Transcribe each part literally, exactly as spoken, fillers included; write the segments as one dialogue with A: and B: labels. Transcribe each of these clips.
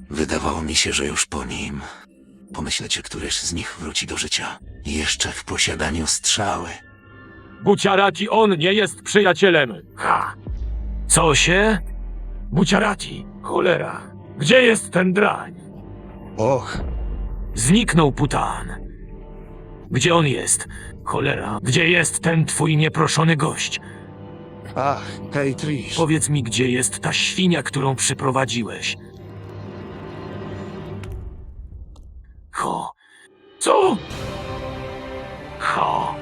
A: Wydawało mi się, że już po nim. Pomyślecie, któryś z nich wróci do życia. Jeszcze w posiadaniu strzały.
B: Buciarati on nie jest przyjacielem. Ha! Co się? Buciarati, cholera. Gdzie jest ten drań?
A: Och,
B: Zniknął Putan. Gdzie on jest? Cholera, gdzie jest ten twój nieproszony gość?
A: ach, hej Trish.
B: Powiedz mi, gdzie jest ta świnia, którą przyprowadziłeś? Ho. Co? Ho.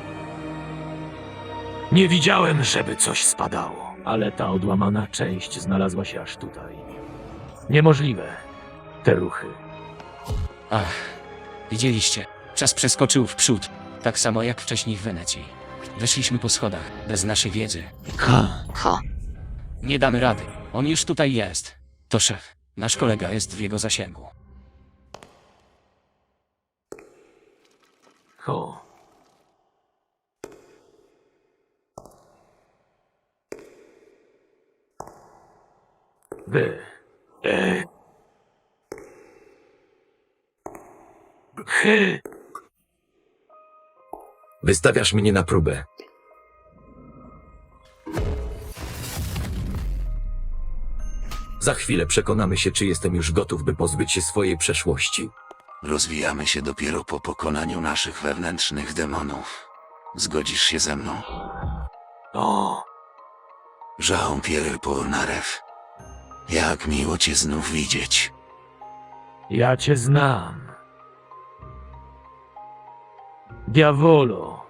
B: Nie widziałem, żeby coś spadało, ale ta odłamana część znalazła się aż tutaj. Niemożliwe. Te ruchy.
C: Ach, widzieliście. Czas przeskoczył w przód. Tak samo jak wcześniej w Wenecji. Weszliśmy po schodach, bez naszej wiedzy.
A: Ha.
D: Ho.
C: Nie damy rady. On już tutaj jest. To szef. Nasz kolega jest w jego zasięgu.
B: Ho. Wy. E. Hy.
E: Wystawiasz mnie na próbę. Za chwilę przekonamy się, czy jestem już gotów, by pozbyć się swojej przeszłości.
A: Rozwijamy się dopiero po pokonaniu naszych wewnętrznych demonów. Zgodzisz się ze mną?
B: O.
A: Jean-Pierre Polnareff. Jak miło cię znów widzieć.
B: Ja cię znam. Diavolo.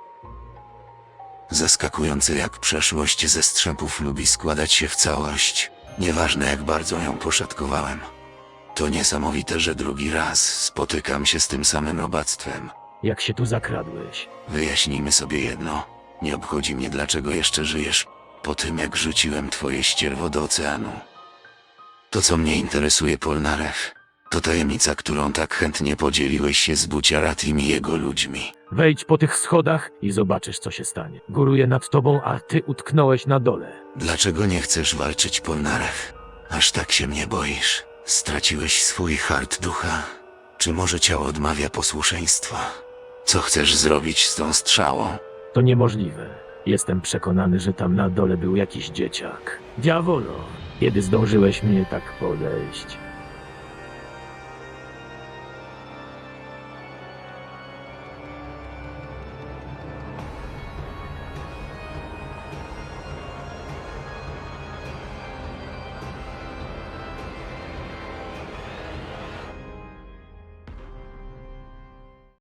A: Zaskakujące jak przeszłość ze strzępów lubi składać się w całość. Nieważne jak bardzo ją poszatkowałem. To niesamowite, że drugi raz spotykam się z tym samym robactwem.
B: Jak się tu zakradłeś?
A: Wyjaśnijmy sobie jedno. Nie obchodzi mnie, dlaczego jeszcze żyjesz po tym, jak rzuciłem twoje ścierwo do oceanu. To, co mnie interesuje, Polnareff, to tajemnica, którą tak chętnie podzieliłeś się z Buciaratim i jego ludźmi.
B: Wejdź po tych schodach i zobaczysz, co się stanie. Góruję nad tobą, a ty utknąłeś na dole.
A: Dlaczego nie chcesz walczyć, Polnareff? Aż tak się mnie boisz. Straciłeś swój hart ducha. Czy może ciało odmawia posłuszeństwa? Co chcesz zrobić z tą strzałą?
B: To niemożliwe. Jestem przekonany, że tam na dole był jakiś dzieciak. Diavolo, kiedy zdążyłeś mnie tak podejść?